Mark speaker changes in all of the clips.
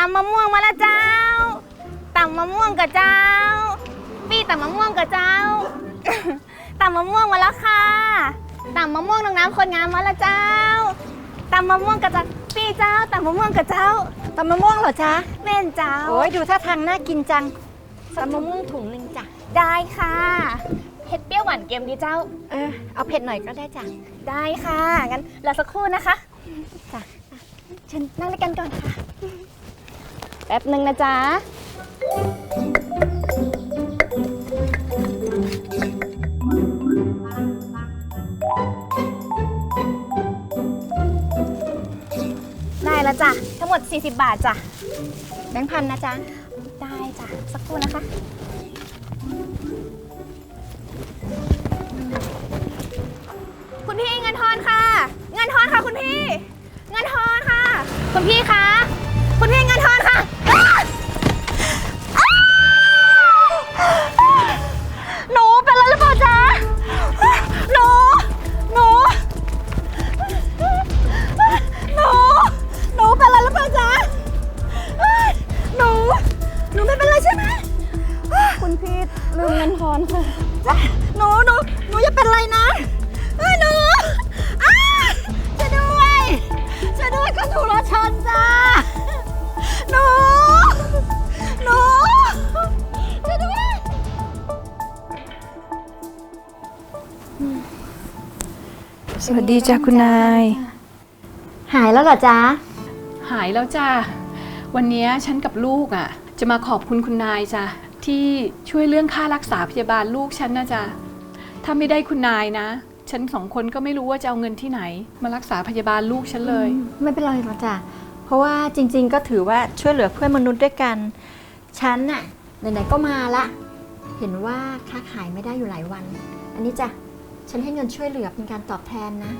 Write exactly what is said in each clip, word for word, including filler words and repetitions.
Speaker 1: ำมะม่วงมาแล้วเจ้าตำมะม่วงกับเจ้าปี้ตำมะม่วงกับเจ้า ตำมะม่วงมาแล้วค่ะตำมะม่วงน้องน้ำคนงามมาแล้วเจ้าตำมะม่วงกับเจ้าปี้เจ้าตำมะม่วงกับเจ้าตำมะม่วงเหรอจ๊ะแม่นเจ้าโอ้ยดูท่าทางน่ากินจังตำมะม่วงถุงหนึ่งจ้ะได้ค่ะเผ็ดเปรี้ยวหวานเค็มดีเจ้าเออเอาเผ็ดหน่อยก็ได้จ้ะได้ค่ะงั้นรอสักครู่นะคะจ้ะเชิญนั่งด้วยกันก่อนค่ะแป๊บหนึ่งนะจ๊ะได้แล้วจ้ะทั้งหมดสี่สิบบาทจ้ะแบงค์พันนะจ๊ะได้จ้ะสักครู่นะคะคุณพี่เงินทอนค่ะเงินทอนค่ะคุณพี่เงินทอนค่ะคุณพี่คะคุณพี่เงินทอนค่ะหนูเป็นอะไรหรือเปล่าจ๊ะหนูหนูหนูหนูเป็นอะไรหรือเปล่าจ๊ะหนูหนูไม่เป็นไรใช่ไหมคุณพี่ลืมเงินทอนค่ะหนูหนูหนูอย่าเป็นไรนะหนูช่วยด้วยช่วยด้วยก็ถูกรถชนจ้าหนูหนูช่วยด้วย
Speaker 2: สวัสดีจ้ะคุณนาย
Speaker 1: หายแล้วเหรอจ๊ะ
Speaker 2: หายแล้วจ้ะวันนี้ฉันกับลูกอ่ะจะมาขอบคุณคุณนายจ้ะที่ช่วยเรื่องค่ารักษาพยาบาลลูกฉันนะจ๊ะถ้าไม่ได้คุณนายนะฉันสองคนก็ไม่รู้ว่าจะเอาเงินที่ไหนมารักษาพยาบาลลูกฉันเลย
Speaker 1: ไม่เป็นไรหรอกจ้ะเพราะว่าจริงๆก็ถือว่าช่วยเหลือเพื่อนมนุษย์ด้วยกันฉันน่ะไหนๆก็มาละเห็นว่าค้าขายไม่ได้อยู่หลายวันอันนี้จ้ะฉันให้เงินช่วยเหลือเป็นการตอบแทนนะ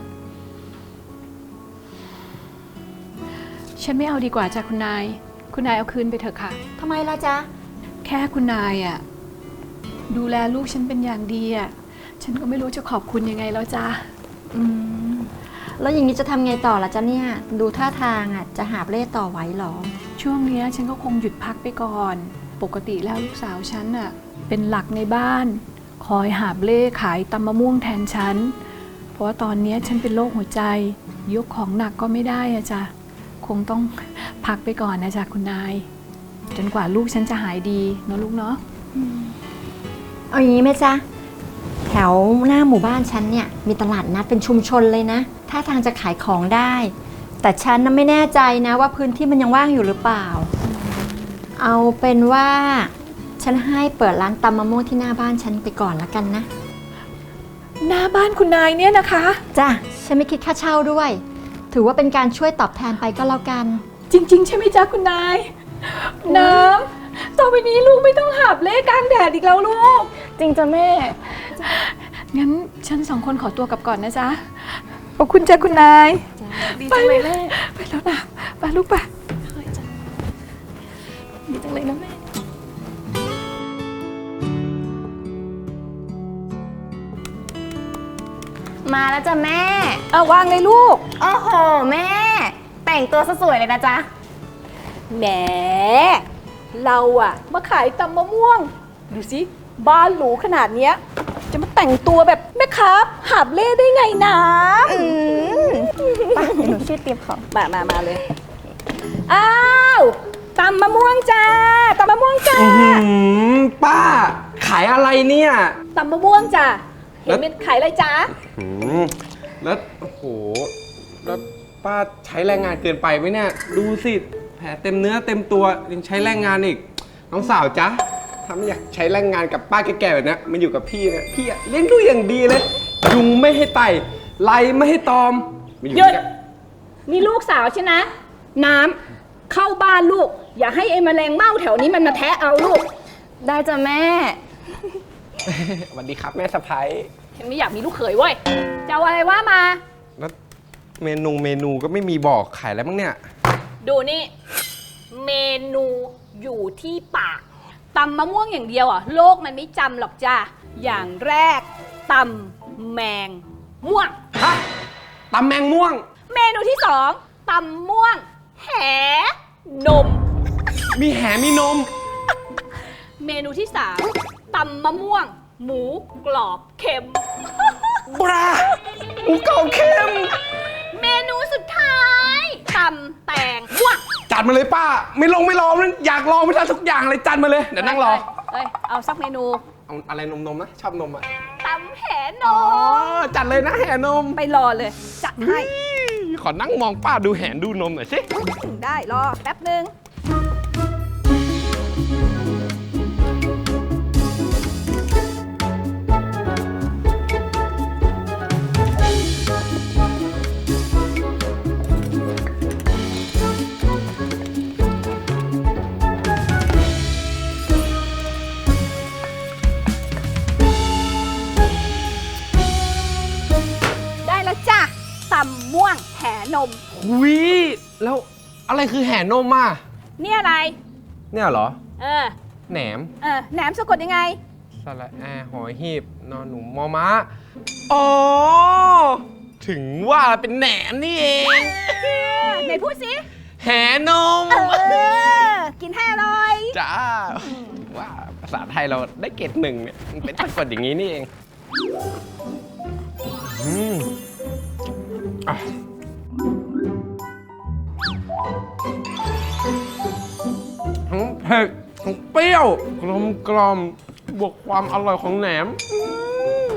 Speaker 2: ฉันไม่เอาดีกว่าจ้ะคุณนายคุณนายเอาคืนไปเถอะค่ะ
Speaker 1: ทำไมล่ะจ๊ะ
Speaker 2: แค่คุณนายอ่ะดูแลลูกฉันเป็นอย่างดีอ่ะฉันก็ไม่รู้จะขอบคุณยังไงแล้วจ้ะ
Speaker 1: อืมแล้วอย่างนี้จะทำไงต่อล่ะจ๊ะเนี่ยดูท่าทางอ่ะจะหาบเล่ต่อไหวหรอ
Speaker 2: ช่วงนี้ฉันก็คงหยุดพักไปก่อนปกติแล้วลูกสาวฉันอ่ะเป็นหลักในบ้านคอยหาบเล่ขายตำมะม่วงแทนฉันเพราะว่าตอนนี้ฉันเป็นโรคหัวใจยกของหนักก็ไม่ได้อะจ้ะคงต้องพักไปก่อนนะจ๊ะคุณนายจนกว่าลูกฉันจะหายดีเนาะลูกเนาะ
Speaker 1: เอาอย่างนี้ไหมจ๊ะแถวหน้าหมู่บ้านฉันเนี่ยมีตลาดนัดเป็นชุมชนเลยนะถ้าทางจะขายของได้แต่ฉันน่ะไม่แน่ใจนะว่าพื้นที่มันยังว่างอยู่หรือเปล่าเอาเป็นว่าฉันให้เปิดร้านตำมะม่วงที่หน้าบ้านฉันไปก่อนละกันนะ
Speaker 2: หน้าบ้านคุณนายเนี่ยนะคะ
Speaker 1: จ้ะฉันไม่คิดค่าเช่าด้วยถือว่าเป็นการช่วยตอบแทนไปก็แล้วกัน
Speaker 2: จริงๆใช่ไหมจ๊ะคุณนายน้ำต่อไปนี้ลูกไม่ต้องหาบเล่กลางแดดอีกแล้วลูก
Speaker 1: จริงจ้ะแม่
Speaker 2: งั้นฉันสองคนขอตัวกลับก่อนนะจ๊ะขอบคุณจ้ะคุณนาย
Speaker 1: ดีจังเลยแม่
Speaker 2: ไปแล้วนะไปลูกไป
Speaker 1: ดีจังเลยนะแม่มาแล้วจ้ะแม่
Speaker 2: เอาวางเลยลูก
Speaker 1: โอ้โหแม่แต่งตัวสวยเลยนะจ๊ะ
Speaker 2: แหมเราอะมาขายตำมะม่วงดูสิบ้านหรูขนาดเนี้ยจะมาแต่งตัวแบบแม่ค้าหาบเล่ได้ไงนะ
Speaker 1: อืมป้าหนูช่วยเตรียมของ
Speaker 2: มามามาเลยอ้าวตำมะม่วงจ้าตำมะม่วงจ้า
Speaker 3: ป้าขายอะไรเนี่ย
Speaker 2: ตำมะม่วงจ้าเห็นเป็นขายอะไรจ้า
Speaker 3: แล้วโอ้โหแล้วป้าใช้แรงงานเกินไปไหมเนี่ยดูสิแผลเต็มเนื้อเต็มตัวยังใช้แรงงานอีกน้องสาวจ๊ะถ้าไม่อยากใช้แรงงานกับป้าแก่ๆแบบนี้มันอยู่กับพี่นะพี่เลี้ยงดูอย่างดีเลยยุงไม่ให้ไต่ไล่ไม่ให้ตอม
Speaker 2: หยุดมีลูกสาวใช่นะน้ำเข้าบ้านลูกอย่าให้ไอ้แมลงเม่าแถวนี้มันมาแทะเอาลูก
Speaker 1: ได้จ้ะแม่
Speaker 3: สวัสดีครับแม่สะใภ้
Speaker 2: ฉันไม่อยากมีลูกเขยเว้ยจะเอาอะไรว่ามา
Speaker 3: แล้วเมนูเมนูก็ไม่มีบอกขายอะไรบ้างเนี่ย
Speaker 2: ดูนี่เมนูอยู่ที่ปากตำมะม่วงอย่างเดียวอ่ะโลกมันไม่จำหรอกจ้าอย่างแรกตำแมงม่วง
Speaker 3: ฮะตำแมงม่วง
Speaker 2: เมนูที่สองตำม่วงแหนม
Speaker 3: มีแหมีนม
Speaker 4: เมนูที่สามตำมะม่วง หมูกรอบเค็ม
Speaker 3: บราหมูกรอบเค็ม
Speaker 4: เมนูสุดท้ายตำแตงม่วง
Speaker 3: จัดมาเลยป้า ไม่ลงไม่รอมันอยากลองไม่ทันทุกอย่างเลยจัดมาเลย เดี๋ยวนั่งรอ
Speaker 4: เอ้ย เอาสักเมนู
Speaker 3: เอาอะไรนมๆนะชอบนมอ่ะ
Speaker 4: ตำแหน
Speaker 3: อ๋อ
Speaker 4: ม
Speaker 3: จัดเลยนะแห่นม
Speaker 4: ไปรอเลย จัดให้
Speaker 3: ขอนั่งมองป้าดูแหนดูนมหน่อยสิ
Speaker 4: ได้รอแป๊บหนึ่ง ได้แล้วจ้ะตำม่วงแหนม
Speaker 3: หุยแล้วอะไรคือแห่นมอ่ะ
Speaker 4: เนี่ยอะไร
Speaker 3: เนี่ยเหรอ
Speaker 4: เออ
Speaker 3: แหนม
Speaker 4: เออ แหนมสะกดยังไง
Speaker 3: สระแอหอยหีบนอนหนูมอม้าอ๋อ ถึงว่าเป็นแหนมนี่เอง
Speaker 4: ไหนพูดสิ
Speaker 3: แห่นม
Speaker 4: เออ กินให้อร่อย
Speaker 3: จ้า ว่าภาษาไทยเราได้เกรดหนึ่งเนี่ยมันเป็นสะกดอย่างนี้นี่เองอืมอ่ะทั้งเผ็ดทั้งเปรี้ยวกลมกลอมบวกความอร่อยของแหนมอืม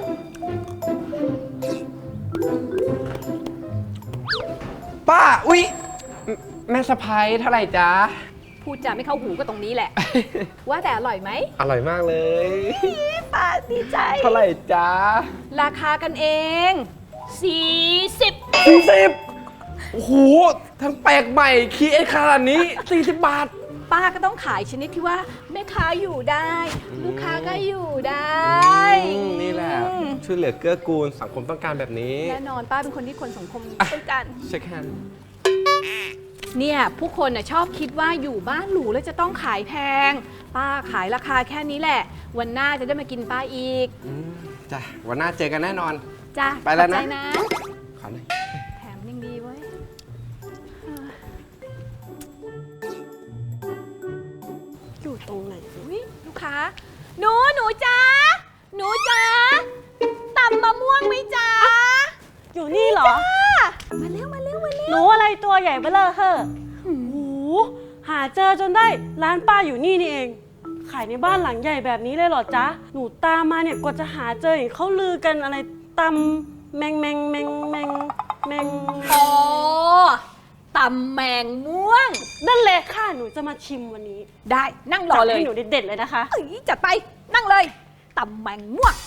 Speaker 3: ป้า อุ๊ย แม่สะพ้ายเท่าไหร่จ๊ะ
Speaker 4: พูดจาไม่เข้าหูก็ตรงนี้แหละ ว่าแต่อร่อยไหม
Speaker 3: อร่อยมากเลย
Speaker 4: ป้าดีใจ
Speaker 3: เท่าไหร่จ๊ะ
Speaker 4: ราคากันเองสี่สิบ
Speaker 3: สี่สิบโอ้โห ทั้งแปลกใหม่คีเอสขนาดนี้ สี่สิบบาท
Speaker 4: ป้าก็ต้องขายชนิดที่ว่าแม่ค้าอยู่ได้ ลูกค้าก็อยู่ได้
Speaker 3: อืมนี่แหละ ช่วยเหลือเกื้อกูลสังคมต้องการแบบนี้
Speaker 4: แน่นอนป้าเป็นคนที่คนสังคมต้องการ
Speaker 3: เช็คแฮนด์
Speaker 4: เนี่ยผู้คนน่ะชอบคิดว่าอยู่บ้านหรูแล้วจะต้องขายแพง ป้าขายราคาแค่นี้แหละ วันหน้าจะได้มากินป้าอีก
Speaker 3: อืมจ้ะ วันหน้าเจอกันแน่นอน
Speaker 4: จ้ะ
Speaker 3: ไปแล้วนะ
Speaker 4: ขอบใจนะ
Speaker 3: ขอหน่อย
Speaker 4: แถมยังดีเว้ยอยู่ตรงไหนอุ๊ยลูกค้า หนู หนูจ้าหนูจ้าตำมะม่วงไหมจ้า
Speaker 5: อยู่นี่เหรอ
Speaker 4: มาเร็ว มาเร็ว มาเร็ว
Speaker 5: หนูอะไรตัวใหญ่เบ้อเลอเฮ้อโอ้โหหาเจอจนได้ร้านป้าอยู่นี่นี่เอง ขายในบ้านหลังใหญ่แบบนี้เลยเหรอจ๊ะ หนูตามมาเนี่ยกว่าจะหาเจอเห็นเขาลือกันอะไรตำแมงแมงแมงแมงแมง
Speaker 4: อ๋อตำแมงม่วง
Speaker 5: นั่นเลยค่ะหนูจะมาชิมวันนี้
Speaker 4: ได้นั่งรอเลย
Speaker 5: จัดให้หนูเด็ดๆเลยนะคะ
Speaker 4: เอ้ยจัดไปนั่งเลยตำแมงม่วง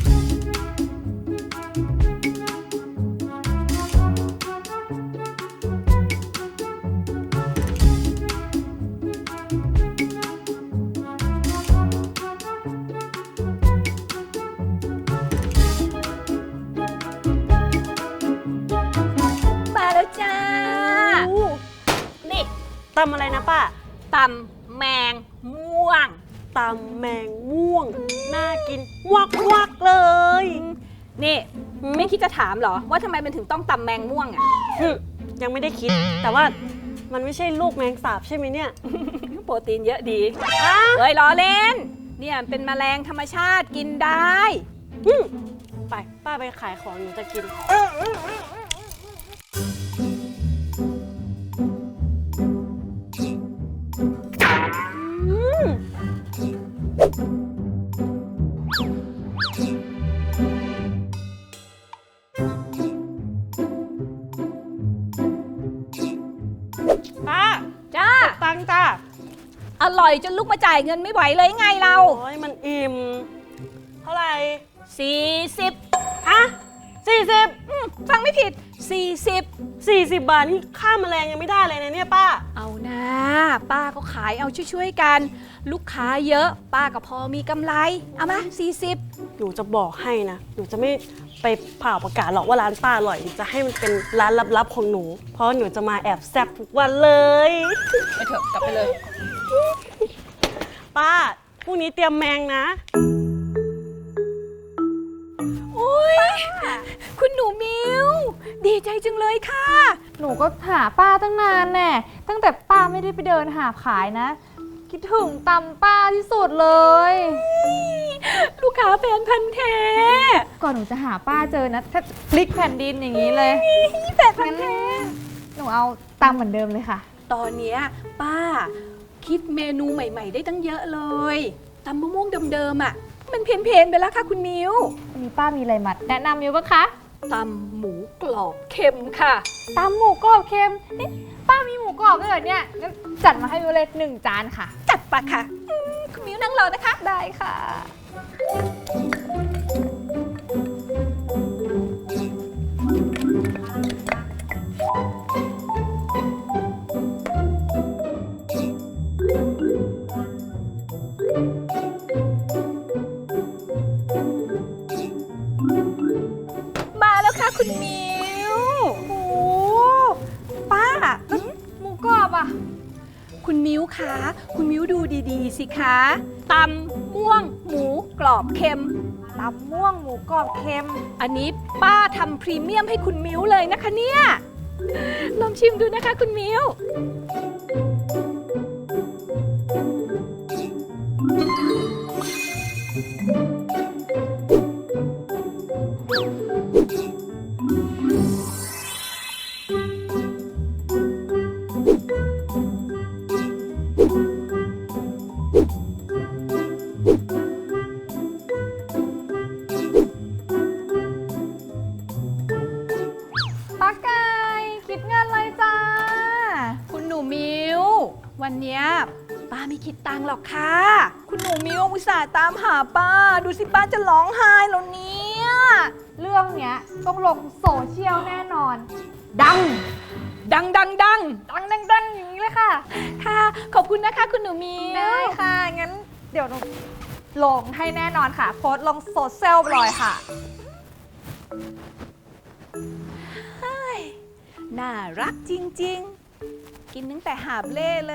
Speaker 4: มาแล้วจ้า
Speaker 5: โอ้
Speaker 4: นี่
Speaker 5: ตำอะไรนะป้า
Speaker 4: ตำแมงม่วง
Speaker 5: ตำแมงม่วง น่ากินวักวักๆเลย
Speaker 4: นี่
Speaker 5: หืม
Speaker 4: ไม่คิดจะถามเหรอ ว่าทำไมมันถึงต้องตำแมงม่วงอ่ะ
Speaker 5: หึยังไม่ได้คิด แต่ว่ามันไม่ใช่ลูกแมงสาบใช่ไหมเนี่ย
Speaker 4: โปรตีนเยอะดี
Speaker 5: อ้า
Speaker 4: เฮ้ยล้อเล่น เนี่ยเป็นแมลงธรรมชาติกินได้
Speaker 5: อืมไปป้าไปขายของหนูจะกิน ป้า
Speaker 4: จ้า
Speaker 5: ตังค์จ้า
Speaker 4: อร่อยจนลุกมาจ่ายเงินไม่ไหวเลยไงเรา
Speaker 5: โอ้ยมันอิ่ม เท่าไหร่
Speaker 4: สี่สิบ
Speaker 5: ฮะสี่สิบ
Speaker 4: อืมฟังไม่ผิด สี่สิบ
Speaker 5: สี่สิบบาทนี่ค่าแมลงยังไม่ได้เลยนะเนี่ยป้า
Speaker 4: เอานะป้าก็ขายเอาช่วยๆกัน ลูกค้าเยอะ ป้าก็พอมีกำไร เอามาสี่สิบ
Speaker 5: หนูจะบอกให้นะ หนูจะไม่ไปเผ่าประกาศหรอกว่าร้านป้าอร่อยหนูจะให้มันเป็นร้านลับๆของหนู เพราะหนูจะมาแอบแซ่บทุกวันเลย
Speaker 4: ไปเถอะกลับไปเลย
Speaker 5: ป้า พรุ่งนี้เตรียมแมงนะ
Speaker 4: โอ้ยคุณหนูมิว ดีใจจังเลยค่ะ
Speaker 1: หนูก็หาป้าตั้งนานแน่ ตั้งแต่ป้าไม่ได้ไปเดินหาขายนะคิดถึงตำป้าที่สุดเลย
Speaker 4: ลูกค้าแฟนพันธ์แท้
Speaker 1: ก่อนหนูจะหาป้าเจอนะถ้าพลิกแผ่นดินอย่างนี้เลย
Speaker 4: แฟนพันธ์แท้
Speaker 1: หนูเอาตำเหมือนเดิมเลยค่ะ
Speaker 4: ตอนเนี้ยป้าคิดเมนูใหม่ ๆ ได้ตั้งเยอะเลยตำมะม่วงเดิมๆอ่ะ มันเพี้ยนๆไปแล้วค่ะคุณมิว
Speaker 1: วันนี้ป้ามีอะไรมาแนะนำอยู่ปะคะ
Speaker 4: ตำหมูกรอบเค็มค่ะ
Speaker 1: ตำหมูกรอบเค็มเอ๊ะป้ามีหมูกรอบด้วยเหรอเนี่ยงั้นจัดมาให้วิวเลยหนึ่งจานค่ะ
Speaker 4: จัดปะค่ะอืมคุณมิวนั่งรอนะคะ
Speaker 1: ได้ค่ะ
Speaker 4: มาแล้วค่ะคุณมิวโอ้ป้าแล้วหมูกรอบอ่ะ คุณมิวคะคุณมิวดูดีๆสิคะตำม่วงหมูกรอบเค็ม
Speaker 1: ตำม่วงหมูกรอบเค็ม
Speaker 4: อันนี้ป้าทำพรีเมียมให้คุณมิวเลยนะคะเนี่ยลองชิมดูนะคะคุณมิว
Speaker 1: ป้าไก่คิดเงินเลยจ้า
Speaker 4: คุณหนูมิววันเนี้ยป้าไม่คิดตังค์หรอกค่ะ คุณหนูมิวอุตส่าห์ตามหาป้า ดูสิป้าจะร้องไห้แล้วเนี่ย
Speaker 1: เรื่องเนี้ยต้องลงโซเชียลแน่นอน ดัง
Speaker 4: ดังดังดัง
Speaker 1: ดังดังดังอย่างนี้เลยค่ะ
Speaker 4: ค่ะ ขอบคุณนะคะคุณหนูมิว
Speaker 1: ได้ค่ะ งั้นเดี๋ยวหนูลงให้แน่นอนค่ะ โพสต์ลงโซเชียลเลยค่ะ
Speaker 4: น่ารักจริงๆ กินตั้งแต่หาบเล่เลย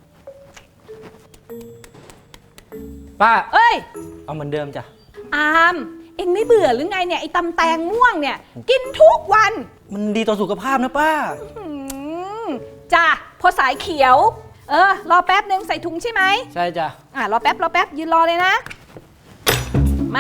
Speaker 6: ป้า
Speaker 4: เอ้ย
Speaker 6: เอาเหมือนเดิมจ้ะ
Speaker 4: อาม เอ็งไม่เบื่อหรือไงเนี่ย ไอ้ตำแตงม่วงเนี่ย กินทุกวัน
Speaker 6: มันดีต่อสุขภาพนะป้า
Speaker 4: หืมจ้ะพอสายเขียว เออ รอแป๊บนึงใส่ถุงใช่ไหม
Speaker 6: ใช่จ้ะ
Speaker 4: อ่ะ รอแป๊บ รอแป๊บ ยืนรอเลยนะ มา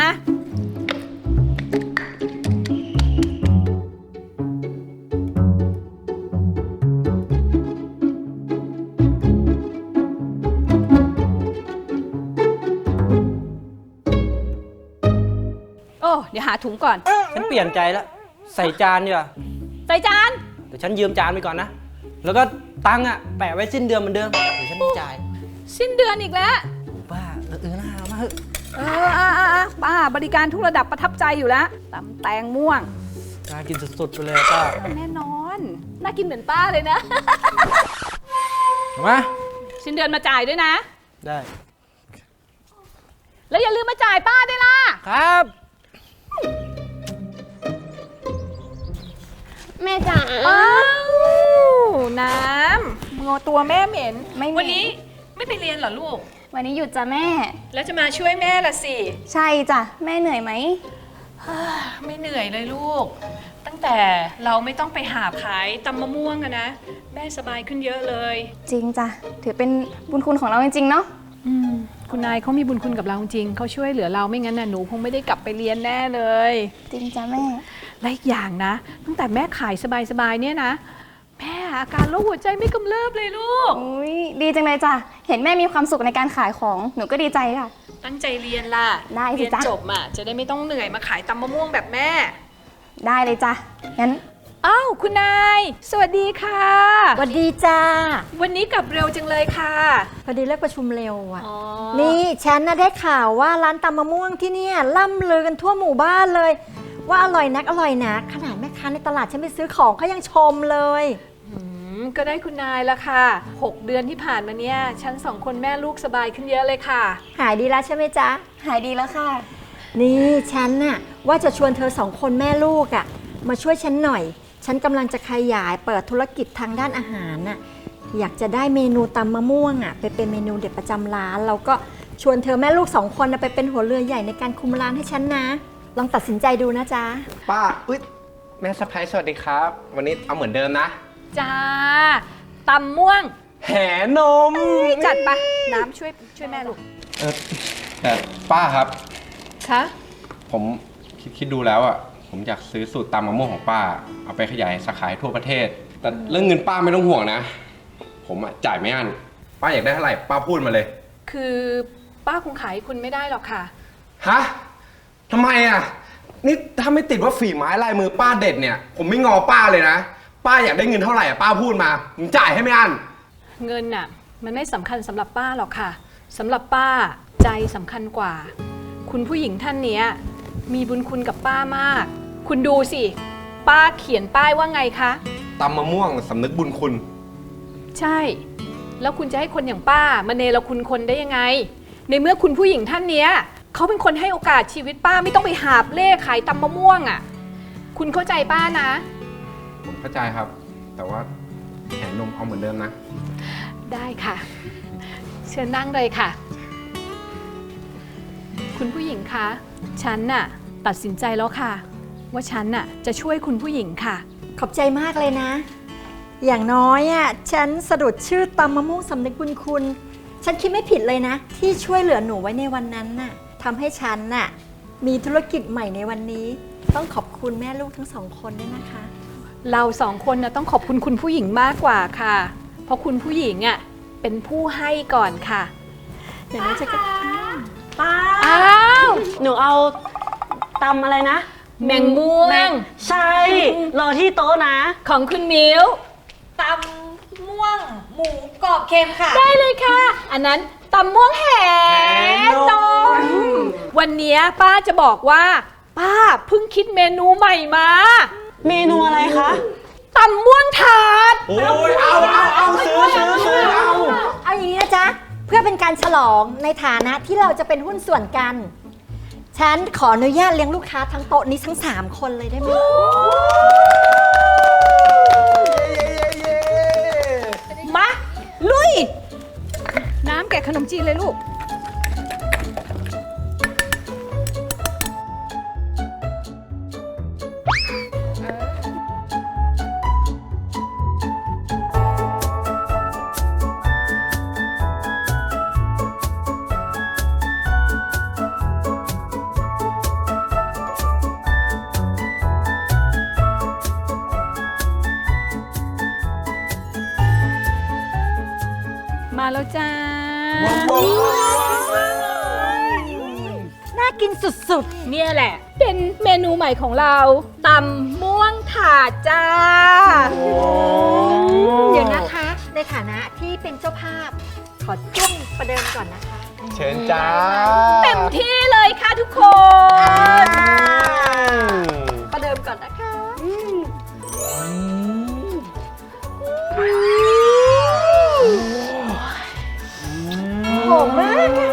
Speaker 4: โอ้ เดี๋ยวหาถุงก่อน
Speaker 6: ฉันเปลี่ยนใจแล้ว ใส่จานดีกว่า
Speaker 4: ใส่จาน
Speaker 6: เดี๋ยวฉันยืมจานไปก่อนนะ แล้วก็ตังค์อ่ะแปะไว้สิ้นเดือนเหมือนเดิม เดี๋ยวฉันจ่าย
Speaker 4: สิ้นเดือนอีกแล้ว
Speaker 6: ป้าเออเออน่าเอามาเถอะ
Speaker 4: เอออ่ะอ่ะอ่ะป้าบริการทุกระดับประทับใจอยู่แล้วตำแตงม่วง
Speaker 6: น่ากินสุดๆไปเลยป้า
Speaker 4: แน่นอน น่ากินเหมือนป้าเลยนะ
Speaker 6: เอามา
Speaker 4: สิ้นเดือนมาจ่ายด้วยนะ
Speaker 6: ได้
Speaker 4: แล้วอย่าลืมมาจ่ายป้าด้วยล่ะ
Speaker 6: ครับ
Speaker 1: แม่จ๋า
Speaker 4: อ้าวน้ำงอตัวแม่เหม็น
Speaker 1: ไม่เหม็น
Speaker 4: วันนี้ไม่ไปเรียนเหรอลูก
Speaker 1: วันนี้หยุดจ้ะแม่
Speaker 4: แล้วจะมาช่วยแม่ละสิ
Speaker 1: ใช่จ้ะ แม่เหนื่อยไหม
Speaker 4: ไม่เหนื่อยเลยลูก ตั้งแต่เราไม่ต้องไปหาขายตำมะม่วงอะนะ แม่สบายขึ้นเยอะเลย
Speaker 1: จริงจ้ะ ถือเป็นบุญคุณของเราจริงๆเนาะ
Speaker 2: อืมคุณนายเขามีบุญคุณกับเราจริงเขาช่วยเหลือเราไม่งั้นน่ะหนูคงไม่ได้กลับไปเรียนแน่เลย
Speaker 1: จริงจ้ะแม่
Speaker 2: และอีกอย่างนะ ตั้งแต่แม่ขายสบายๆเนี่ยนะ แม่อาการโรคหัวใจไม่กำเริบเลยลูก
Speaker 1: อุ้ยดีจังเลยจ้ะ เห็นแม่มีความสุขในการขายของ หนูก็ดีใจค่ะ
Speaker 4: ตั้งใจเรียนล่ะ
Speaker 1: ได้สิ
Speaker 4: เรียน
Speaker 1: จ๊ะ
Speaker 4: จบอ่ะจะได้ไม่ต้องเหนื่อยมาขายตำมะม่วงแบบแม่
Speaker 1: ได้เลยจ้ะ งั้น
Speaker 4: อ้าวคุณนาย สวัสดีค่ะ
Speaker 7: สวัสดีจ้า
Speaker 4: วันนี้กลับเร็วจังเลยค่ะ
Speaker 7: พอดีเลิกประชุมเร็วอ่ะ
Speaker 4: อ๋อ
Speaker 7: นี่ฉันน่ะได้ข่าวว่าร้านตำมะม่วงที่เนี่ยล่ำลือกันทั่วหมู่บ้านเลย ว่าอร่อยนักอร่อยนักขนาดแม่ค้าในตลาดฉันไปซื้อของเขายังชมเลย
Speaker 4: อืมก็ได้คุณนายละค่ะหกเดือนที่ผ่านมาเนี่ยฉันสองคนแม่ลูกสบายขึ้นเยอะเลยค่ะ
Speaker 7: หายดีแล้วใช่ไหมจ๊ะ
Speaker 1: หายดีแล้วค่ะ
Speaker 7: นี่ฉันน่ะว่าจะชวนเธอสองคนแม่ลูกอ่ะมาช่วยฉันหน่อย ฉันกำลังจะขยายเปิดธุรกิจทางด้านอาหารน่ะอยากจะได้เมนูตำมะม่วงอ่ะไปเป็นเมนูเด็ดประจำร้านแล้วก็ชวนเธอแม่ลูกสองคนน่ะไปเป็นหัวเรือใหญ่ในการคุมร้านให้ฉันนะ ลองตัดสินใจดูนะจ๊ะ
Speaker 3: ป้าอุ๊ยแม่สะพ้ายสวัสดีครับ วันนี้เอาเหมือนเดิมนะ
Speaker 4: จ้าตำม่วง
Speaker 3: แหนม
Speaker 2: จัดปะน้ำช่วยช่วยแม่ลูก
Speaker 3: เออแต่ป้าครับ
Speaker 2: คะ
Speaker 3: ผมคิดคิดดูแล้วอ่ะ ผมอยากซื้อสูตรตำมะม่วงของป้า เอาไปขยายสาขาให้ทั่วประเทศ แต่เรื่องเงินป้าไม่ต้องห่วงนะ ผมอ่ะจ่ายไม่อั้น ป้าอยากได้เท่าไหร่ป้าพูดมาเลย
Speaker 2: คือป้าคงขายให้คุณไม่ได้หรอกค่ะ
Speaker 3: ฮะทำไมอ่ะ นี่ถ้าไม่ติดว่าฝีไม้ลายมือป้าเด็ดเนี่ย ผมไม่งอป้าเลยนะ ป้าอยากได้เงินเท่าไหร่อ่ะป้าพูดมา ผมจ่ายให้ไม่อั้น
Speaker 2: เงินน่ะมันไม่สำคัญสำหรับป้าหรอกค่ะสำหรับป้าใจสำคัญกว่า คุณผู้หญิงท่านเนี้ยมีบุญคุณกับป้ามาก คุณดูสิ ป้าเขียนป้ายว่าไงคะ
Speaker 3: ตำมะม่วงสำนึกบุญคุณ
Speaker 2: ใช่ แล้วคุณจะให้คนอย่างป้ามาเนรคุณคนได้ยังไง ในเมื่อคุณผู้หญิงท่านเนี้ยเขาเป็นคนให้โอกาสชีวิตป้าไม่ต้องไปหาบเล่ขายตำมะม่วงอ่ะคุณเข้าใจป้านะ
Speaker 3: ผมเข้าใจครับ แต่ว่าแหนนมเอาเหมือนเดิมนะ
Speaker 2: ได้ค่ะ เชิญนั่งเลยค่ะ คุณผู้หญิงคะฉันน่ะตัดสินใจแล้วค่ะ ว่าฉันน่ะจะช่วยคุณผู้หญิงค่ะ
Speaker 7: ขอบใจมากเลยนะ อย่างน้อยอ่ะฉันสะดุดชื่อตำมะม่วงสำนึกบุญคุณ ฉันคิดไม่ผิดเลยนะ ที่ช่วยเหลือหนูไว้ในวันนั้นน่ะทำให้ฉันน่ะมีธุรกิจใหม่ในวันนี้ ต้องขอบคุณแม่ลูกทั้งสองคนด้วยนะคะ
Speaker 2: เราสองคนนะต้องขอบคุณคุณผู้หญิงมากกว่าค่ะ เพราะคุณผู้หญิงอ่ะเป็นผู้ให้ก่อนค่ะ
Speaker 7: เดี๋ยวนะจะก็
Speaker 5: ป้า
Speaker 2: อ้าว
Speaker 5: หนูเอาตำอะไรนะ
Speaker 2: แมงม่ว
Speaker 5: แม
Speaker 2: ง
Speaker 5: งใช่ รอที่โต๊ะนะ
Speaker 2: ของคุณมิว
Speaker 4: ตำม่วง หมูกรอบเค็มค่ะ
Speaker 2: ได้เลยค่ะ อันนั้นตำม่วงแหนมวันเนี้ยป้าจะบอกว่า ป้าเพิ่งคิดเมนูใหม่มา
Speaker 5: เมนูอะไรคะ
Speaker 2: ตำม่วงถาด
Speaker 3: โอ้ยเอาเอาเอาซื้อซื้อซื้อเอา
Speaker 7: เอาอย่างนี้นะจ๊ะเพื่อเป็นการฉลองในฐานะที่เราจะเป็นหุ้นส่วนกัน ฉันขออนุญาตเลี้ยงลูกค้าทั้งโต๊ะนี้ทั้งสามคนเลยได้ไหม
Speaker 2: มา ลุย น้ำแกะขนมจีนเลยลูก มาแล้วจ้า
Speaker 7: น่ากินสุด
Speaker 2: เนี่ยแหละ เป็นเมนูใหม่ของเราตำม่วงถาดจ้า
Speaker 7: ๆ เดี๋ยวนะคะ ในฐานะที่เป็นเจ้าภาพ ขอจุ้มประเดิมก่อนนะคะ
Speaker 3: เชิญจ้า
Speaker 2: เต็มที่เลยค่ะทุกคน
Speaker 7: ประเดิมก่อนนะคะ หอมมากอะ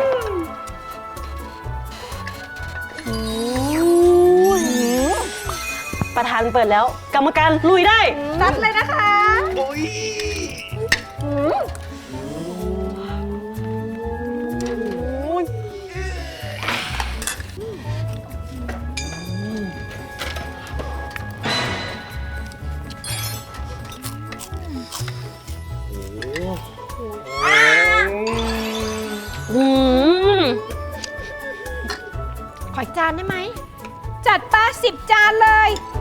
Speaker 5: ประธานเปิดแล้ว กรรมการลุยได้
Speaker 7: นัดเลยนะคะ
Speaker 5: อืม
Speaker 7: ขออีกจานได้ไหม
Speaker 2: จัดป้าสิบจานเลย